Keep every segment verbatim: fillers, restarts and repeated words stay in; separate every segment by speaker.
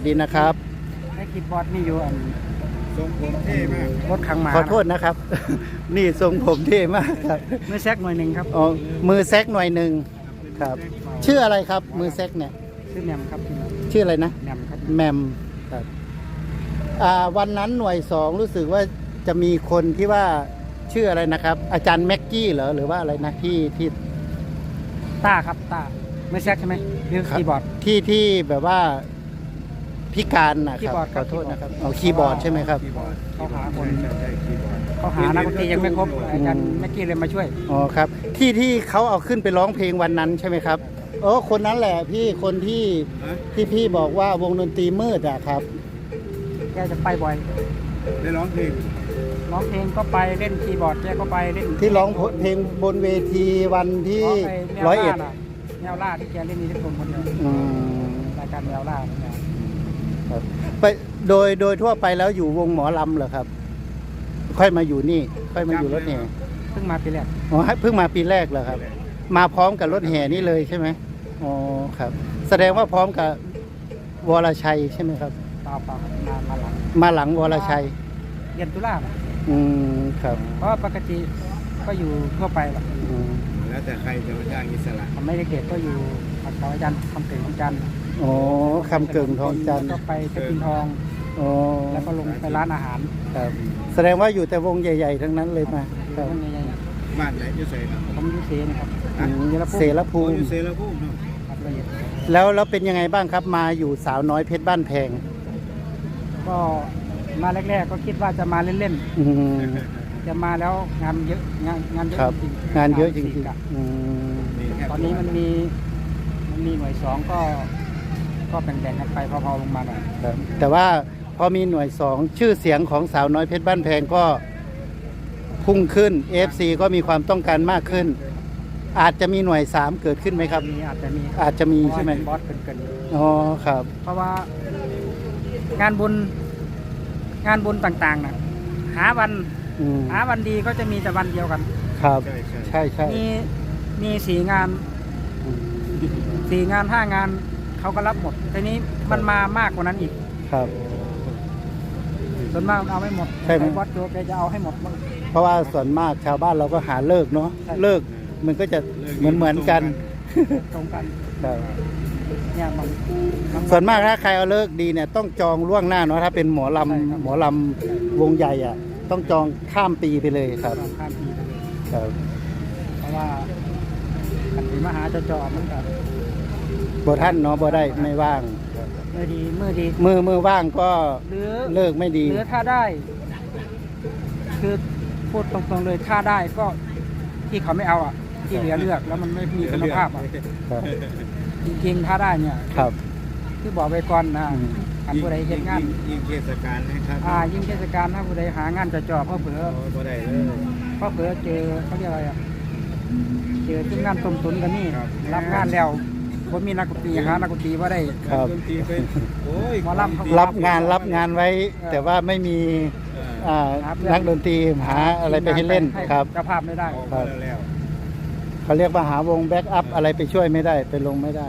Speaker 1: ดีนะครับ
Speaker 2: ไอ้คีย์บอร์ดนี่อยู่อัน
Speaker 3: ทรงผมเท่มาก
Speaker 2: รถขังหมา
Speaker 1: ขอโทษนะครับ นี่ทรงผมเท่มากครับ
Speaker 2: มือแซกหน่อยหนึ่งครับ
Speaker 1: อ๋อมือแซกหน่อยหนึ่งครับ ชื่ออะไรครับมือแซกเนี่ย
Speaker 2: ชื่อแมมครับ
Speaker 1: ชื่ออะไรนะ
Speaker 2: แมมครับ
Speaker 1: แมมครับอ่าวันนั้นหน่วยสองรู้สึกว่าจะมีคนที่ว่าชื่ออะไรนะครับ อาจารย์แม็กกี้เหรอหรือว่าอะไรนะที่ที่
Speaker 2: ต้าครับต้ามือแซกใช่ไหมหรือคีย์บอร์ด
Speaker 1: ที่ที่แบบว่าพิการนะครับขอโทษนะครับเอาคีย์บอร์ดใช่ไหมครับ
Speaker 2: เขาหาคนเขาหานักดนตรียังไม่ครบอาจารย์แม็กกี้เลยมาช่วย
Speaker 1: อ๋อครับที่ที่เขาเอาขึ้นไปร้องเพลงวันนั้นใช่ไหมครับโอ้คนนั้นแหละพี่คนที่ที่พี่บอกว่าวงดนตรีมืดอะครับ
Speaker 2: แกจะไปบ่อย
Speaker 3: ได้ร้องเพลง
Speaker 2: ร้องเพลงก็ไปเล่นคีย์บอร์ดแกก็ไปเล่น
Speaker 1: ที่ร้องเพลงบนเวทีวันที่ร้อยเอ็ด
Speaker 2: แนวล่าที่แกเล่นนี่ทุกคนคนเดียวรายการแนวล่า
Speaker 1: ครับไปโดยโดยทั่วไปแล้วอยู่วงหมอลำเหรอครับค่อยมาอยู่นี่ค่อยมาอยู่รถแห่
Speaker 2: เพิ่งมาปีแรก
Speaker 1: อ๋อเพิ่งมาปีแรกเหรอครับมาพร้อมกับรถแห่นี่เลยใช่ไหมอ๋อครับแสดงว่าพร้อมกับวรชัยใช่ไหมครับ
Speaker 2: เปล่าเปล่ามามาหลัง
Speaker 1: มาหลังวรชัย
Speaker 2: เรียนตุลา
Speaker 1: อืมครับ
Speaker 2: เพราะปกติก็อยู่ทั่วไปหรอก
Speaker 3: แล้วแต่ใครจะมาจ้างอิสระ
Speaker 2: ทำไม่ได้เด็กก็อยู่กับอาจารย์คำเก่งของจันทร์
Speaker 1: อ๋อคำเก่งทองจันทร์
Speaker 2: ก็ไปจะกินทอง
Speaker 1: อ๋อ
Speaker 2: แล้วก็ลงไปร้านอาหาร
Speaker 1: ครับแสดงว่าอยู่แต่วงใหญ่ๆทั้งนั้นเลยมา
Speaker 2: ครับ
Speaker 3: บ้านไหนจะเสนะ
Speaker 2: ผมอยู่เสนะครับ
Speaker 1: เสรภูมิ
Speaker 3: เสรภูมิ
Speaker 1: แล้วแล้วเป็นยังไงบ้างครับมาอยู่สาวน้อยเพชรบ้านแพง
Speaker 2: ก็มาแรกๆก็คิดว่าจะมาเล่นๆจะมาแล้วงานเยอะงานงานเยอะจริง
Speaker 1: งานเยอะจริง
Speaker 2: ๆตอนนี้มันมีมันมีหน่วยสองก็ก็แบ่งๆกันไปพอๆลงมาหน่อย
Speaker 1: แต่ว่าพอมีหน่วยสองชื่อเสียงของสาวน้อยเพชรบ้านแพงก็พุ่งขึ้น เอฟ ซี ก็มีความต้องการมากขึ้นอาจจะมีหน่วยสามเกิดขึ้นไหมครับ
Speaker 2: อาจจะมี
Speaker 1: อาจจะมีใช่ไหม
Speaker 2: บอสเกิน
Speaker 1: ๆอ๋อครับ
Speaker 2: เพราะว่างานบุญงานบุญต่างๆนะหาวันหาวันดีก็จะมีแต่วันเดียวกัน
Speaker 1: ครับใช่ใช่
Speaker 2: มีมีสี่งานสี่งานห้างานเขาก็รับหมดทีนี้มันมามากกว่านั้นอีก
Speaker 1: ครับ
Speaker 2: ส่วนมากเอาไม่หมดใช่ไหมวัดโจแกจะเอาให้หมด
Speaker 1: เพราะว่าส่วนมากชาวบ้านเราก็หาเลิกเนาะเลิกมันก็จะเหมือนเหมือนกัน
Speaker 2: ตรงกัน
Speaker 1: เนี่ยมันส่วนมากถ้าใครเอาเลิกดีเนี่ยต้องจองล่วงหน้าเนาะถ้าเป็นหมอลำหมอลำวงใหญ่อ่ะต้องจองข้ามปีไปเลยครับ
Speaker 2: ข้ามปีไปเลย
Speaker 1: ครับ
Speaker 2: เพราะว่าขันติมหาจะจอมันกับ
Speaker 1: บ่ท่านเนาะบ่ได้ไม่ว่าง
Speaker 2: เมื่อดีเมื่อดี
Speaker 1: มือมือว่างก็เลิกไม่ดี
Speaker 2: หรือถ้าได้คือพูดตรงๆเลยถ้าได้ก็ที่เขาไม่เอาอ่ะที่เหลือเลือกแล้วมันไม่มีคุณภาพอ่ะจริงๆถ้าได้เนี่ย
Speaker 1: ครับ
Speaker 2: ที่บอกไปก่อนนะอันผู้ใดเห็นงาน
Speaker 3: ยิ่งเทศกาลนะครับ
Speaker 2: อ่ายิ่งเทศกาลถ้าผู้ใดหางานจะจ่อเพราะเผื่อ
Speaker 3: ผู้ใดเลย
Speaker 2: เพราะเผื่อเจอเขาเรียกอะไรอ่ะเจอที่งานต้มตุ๋นกันนี่รับงานแล้วผมมีนักดนตรีหานักดนตรีว่าได้
Speaker 1: ครับ
Speaker 2: มารับ
Speaker 1: รับงานรับงานไว้แต่ว่าไม่มีนักดนตรีหาอะไรไปให้เล่นครับ
Speaker 2: เจ้าภาพไม่ได้
Speaker 1: เขาเรียกว่าหาวงแบ็กอัพอะไรไปช่วยไม่ได้ไปลงไม่ได้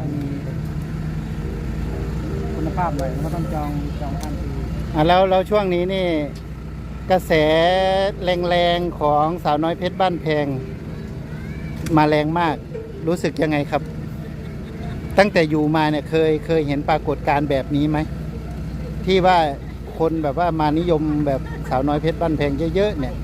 Speaker 2: คุณภาพเลยก็ต้องจองจองทันที
Speaker 1: อ่ะแล้วแล้วช่วงนี้นี่กระแสแรงๆของสาวน้อยเพชรบ้านแพงมาแรงมากรู้สึกยังไงครับตั้งแต่อยู่มาเนี่ยเคยเคยเห็นปรากฏการณ์แบบนี้ไหมที่ว่าคนแบบว่ามานิยมแบบสาวน้อยเพชรบ้านแพงเยอะๆเนี่ย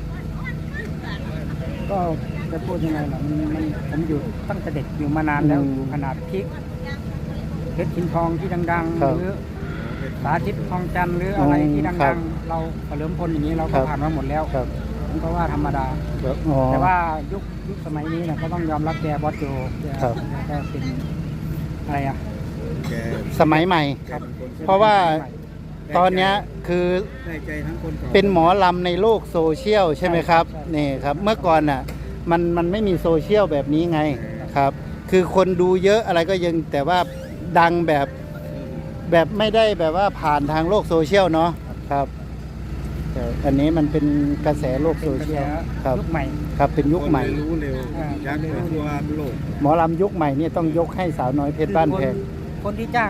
Speaker 2: ก็จะพูดยังไงล่ะมันมันผมอยู่ตั้งแต่เด็กอยู่มานานแล้วขนาดพิกเพชรชินทองที่ดังๆหรือสาธิตทองจันทร์หรืออะไรที่ดังๆเราเริ่มพ้นอย่างนี้เราก็ผ่านมาหมดแล้วผมก็ว่าธรรมดาแต่ว่ายุคยุคสมัยนี้เนี่ยก็ต้องยอมรับแกบอสโจแกเป็นอะไรอ่ะ
Speaker 1: สมัยใหม่เพราะว่าตอนนี้คือเป็นหมอลำในโลกโซเชียลใช่ไหมครับนี่ครับเมื่อก่อนน่ะมันมันไม่มีโซเชียลแบบนี้ไงครับคือคนดูเยอะอะไรก็ยังแต่ว่าดังแบบแบบไม่ได้แบบว่าผ่านทางโลกโซเชียลเนาะครับอันนี้มันเป็นกระแสโลกโซเชียลครับ
Speaker 2: ยุคใหม่
Speaker 1: ครับเป็นยุคใหม่
Speaker 3: รู้เร็วยักษ์ไปทั่วโลก
Speaker 1: หมอลำยุคใหม่นี่ต้องยกให้สาวน้อยเพชรบ้านแพง
Speaker 2: คนที่จ้าง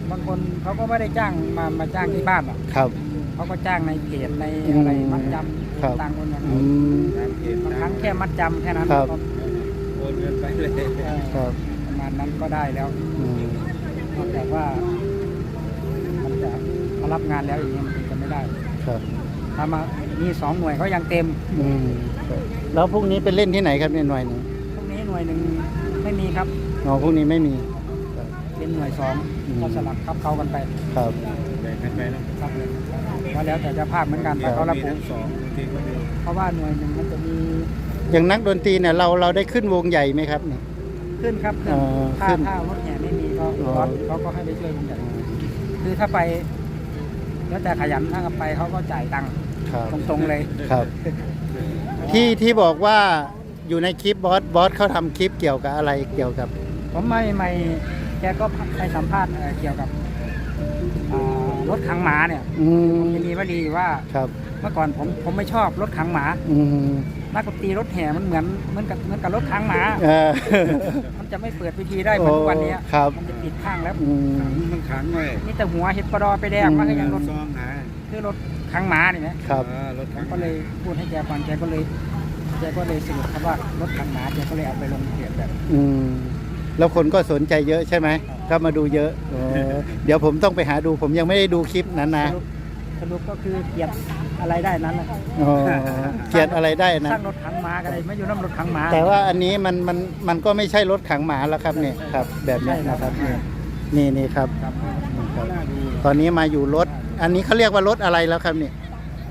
Speaker 2: บางคนเขาก็ไม่ได้จ้างมามาจ้างที่บ้านหรอก
Speaker 1: ครับ
Speaker 2: เขาก็จ้างในเพจใน
Speaker 1: อืม
Speaker 2: อะไรมัดจ
Speaker 1: ครับ
Speaker 2: ำต่างคนอย่าง
Speaker 1: อื
Speaker 2: นั้น
Speaker 1: ม
Speaker 2: บางครั้งแค่มัดจำแค่นั้น
Speaker 1: ครับ
Speaker 2: ก็
Speaker 3: โอนเงินไปเลย
Speaker 2: เออ
Speaker 1: ครับ
Speaker 2: ประมาณนั้นก็ได้แล้ว
Speaker 1: อืม
Speaker 2: นอกจากว่ามันจะมารับงานแล้วอย่างนี้ยมันจะไม่ได้
Speaker 1: ครับ
Speaker 2: ถ้ามามีสองหน่วยเขายังเต็ม
Speaker 1: อืมครับแล้วพรุ่งนี้ไปเล่นที่ไหนครับเนี่ยหน่วยหนึ่ง
Speaker 2: พวกนี้หน่วยหนึ่งไม่มีครับ
Speaker 1: อ๋อพรุ่งนี้ไม่มี
Speaker 2: เป็นหน่วยสอง
Speaker 1: อืม
Speaker 2: ก็สลับครับเขากันไป
Speaker 1: ครับ
Speaker 3: แบ่งกันไปเนาะ
Speaker 2: ครับก็แล้วแต่เจะภาพเหมือนกันแต่เขาระ
Speaker 3: มี
Speaker 2: บุ
Speaker 3: ทั้งสองบางทีก็มี
Speaker 2: เพราะว่าหน่วยหนึ่งมันจะมี
Speaker 1: อย่างนักดนตรีเนี่ยเราเราได้ขึ้นวงใหญ่ไหมครับเนี่ย
Speaker 2: ขึ้นครับขึ้น
Speaker 1: เอ่อ
Speaker 2: ถ้า
Speaker 1: ขึ้น
Speaker 2: ถ้ารถแห่ไม่มีก็
Speaker 1: อ๋อ
Speaker 2: รถเขาก็ให้ไปช่วยวงใหญ่คือถ้าไป แล้วแต่ขยันถ้าไปเขาก็จ่ายตังค์
Speaker 1: ครับ
Speaker 2: ตรงๆเลย
Speaker 1: ครับ ที่ที่บอกว่าอยู่ในคลิปบอสบอสเขาทำคลิปเกี่ยวกับอะไรเกี่ยวกับ
Speaker 2: ผมไม่ไม่แกก็ไปสัมภาษณ์เอ่อเกี่ยวกับอ่ารถขังหมาเนี่ย
Speaker 1: อืม
Speaker 2: จะมีวลีว่า
Speaker 1: ครับ
Speaker 2: เมื่อก่อนผมผมไม่ชอบรถขังหมา
Speaker 1: อืม
Speaker 2: นักดนตรีรถแห่มันเหมือนเหมือนกับเหมือนกับรถขังหมา
Speaker 1: เออ
Speaker 2: มันจะไม่เปิดพิธีได้เหมือนทุกวันนี้
Speaker 1: ครับ
Speaker 2: มันจะปิดข้างแล้ว
Speaker 1: อืม
Speaker 3: ขังมันขังไว้
Speaker 2: นี่แต่หัวเห็ดปลาดอไปแดงมันก็ยังรถ
Speaker 3: ซองหา
Speaker 2: คือรถขังหมานี่นะครับ
Speaker 3: เออรถขัง
Speaker 2: ก็เลยพูดให้แกฟังแกก็เลยแกก็เลยสรุปครับว่ารถขังหมาแกก็เลยเอาไปลงเพจแบบ
Speaker 1: อืมแล้วคนก็สนใจเยอะใช่ไหมก็มาดูเยอะอ๋อเดี๋ยวผมต้องไปหาดูผมยังไม่ได้ดูคลิปนั้นนะ
Speaker 2: สรุปสรุปก็คือเกลียดอะไรได้นั้นแหละ
Speaker 1: อ๋อเขียนอะไรได้นะ
Speaker 2: สร้างรถขังหมาก็ได้ไม่อยู่น้ำรถขังหมา
Speaker 1: แต่ว่าอันนี้มันมันมันก็ไม่ใช่รถขังหมาแล้วครับเนี่ยครับ แบบนี้นะครับเนี่ยนี่นี่ครับ
Speaker 2: ครับ
Speaker 1: นี่ครับ
Speaker 3: น่าดู
Speaker 1: ตอนนี้มาอยู่รถ อันนี้เขาเรียกว่ารถอะไรแล้วครับเนี่ย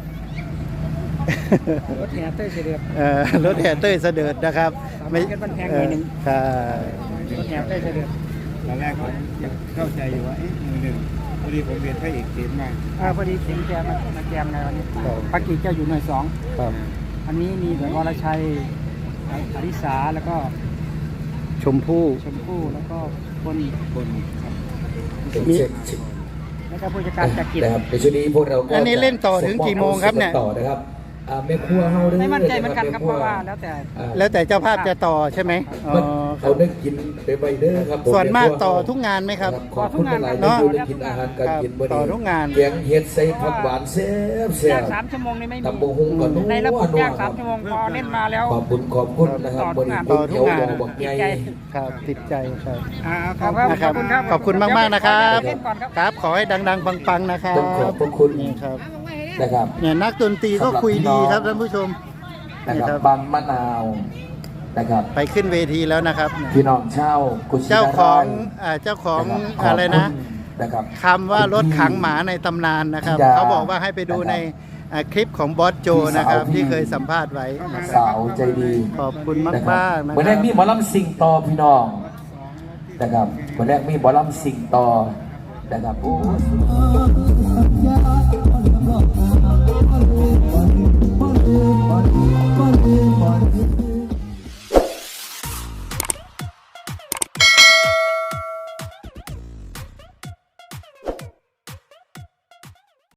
Speaker 2: รถแห่เต้ยเสด็จ
Speaker 1: เอ่อรถแห่เต้ยเสด็จนะครับ
Speaker 2: สามารถเก็บมันแพงหน่อยหนึ่ง
Speaker 1: เอ่อ
Speaker 2: รถแห่เต้ยเสด็จ
Speaker 3: ตอนแรกผมยังเข้าใจอยู่ว่าเอ๊ะมือหนึ่งพอดีผมเรียนพระเอกเขียนมา
Speaker 2: อ่าพอดีเข็งแกมามาแจมในวันนี้
Speaker 1: ครับ
Speaker 2: ปักกิ่งเจ้าอยู่หน่วยสอง
Speaker 1: ครับ
Speaker 2: อันนี้มีเหมือนวรชัยอริสาแล้วก็
Speaker 1: ชมพู่
Speaker 2: ชมพู่แล้วก็คน
Speaker 3: คน
Speaker 1: มี
Speaker 2: แล้วก็ผู้จัดการจักริด
Speaker 4: นะครับในช่วงนี้พวกเราก็
Speaker 1: อันนี้เล่นต่อถึงกี่โมงครับเนี่ย
Speaker 4: ต่อนะครับอ่าแม่ครัวเฮาเด้อ
Speaker 2: ไม่มั่นใจเหมือนกันครับ
Speaker 4: แ
Speaker 2: เพราะว่าแล้วแต่
Speaker 4: อ่า
Speaker 1: แล้วแต่เจ้าภาพจะต่อใช่ไหมอ๋อ
Speaker 4: มัน
Speaker 1: ครั
Speaker 4: เอา
Speaker 1: บ
Speaker 4: ได้กินไปไปเด้อครับผ
Speaker 1: ส่วนมาก
Speaker 4: แครั
Speaker 1: ต่อทุกงานไหมครับ
Speaker 4: ขอบคุณหลายๆ
Speaker 1: เนาะ
Speaker 4: ที่ได้กินอาหารการกิน
Speaker 1: ครับต่อทุกงาน
Speaker 4: แกงเห็ดใส่ผักหวานแซ่บแซ่
Speaker 2: ย่าง
Speaker 4: บ
Speaker 2: สามชั่วโมงนี่ไม่มี
Speaker 4: ตำบงหุงก็นัว
Speaker 2: ในระบบ
Speaker 4: นัว
Speaker 2: ย่าง
Speaker 4: ค
Speaker 2: สา
Speaker 4: รั
Speaker 2: ม
Speaker 4: บ
Speaker 2: ชั่วโมงพอเล่นมาแล้ว
Speaker 4: ขอบคุณขอบคุณนะครับ
Speaker 2: ต่อทุกงาน
Speaker 4: บริ
Speaker 1: ต่อทุกงาน
Speaker 4: เขียวบอกใหญ่
Speaker 1: ครับติดใจครับ
Speaker 2: อ่าข
Speaker 1: ข
Speaker 2: อ
Speaker 1: อ
Speaker 2: บบ
Speaker 1: นะครับ
Speaker 2: คุณครับ
Speaker 1: ขอบคุณมากมากๆนะครับ
Speaker 2: เล่นก่อนครับ
Speaker 1: ครับ ขอให้ดัง ๆ ปัง ๆ นะครับ
Speaker 4: ต้องขอบพระคุณ
Speaker 1: นี่ครับ
Speaker 4: นะครับ
Speaker 1: เนี่ยนักดนตรีก็คุยดีครับท่านผู้ชม
Speaker 4: นะ
Speaker 1: นี่
Speaker 4: ค
Speaker 1: ค
Speaker 4: รั
Speaker 1: รั
Speaker 4: บบ บางมะนาวนะครับ
Speaker 1: ไปขึ้นเวทีแล้วนะครับเนี่ย
Speaker 4: พี่น้องเช่าวกุชินารยณ์
Speaker 1: เจ้าของอ่าเจ้าของ
Speaker 4: ขบ
Speaker 1: อะไรนะ
Speaker 4: คุณนะครับ
Speaker 1: คำว่ารถขังหมาในตำนานนะครับ
Speaker 4: ธิดา
Speaker 1: เขาบอกว่าให้ไปดูในอ่าคลิปของบอสโจนะครับ
Speaker 4: พี่สาว
Speaker 1: ที่เคยสัมภาษณ์ไว้
Speaker 4: สาวใจดี
Speaker 1: ขอบคุณมาก
Speaker 4: นะ
Speaker 1: ม
Speaker 4: ครับ
Speaker 1: ากนะ
Speaker 4: วัน
Speaker 1: ค
Speaker 4: แร
Speaker 1: รับ
Speaker 4: กมีหมอลำสิงต่อพี่น้องนะครับวันแรกมีหมอลำสิงต่อนะครับโอ้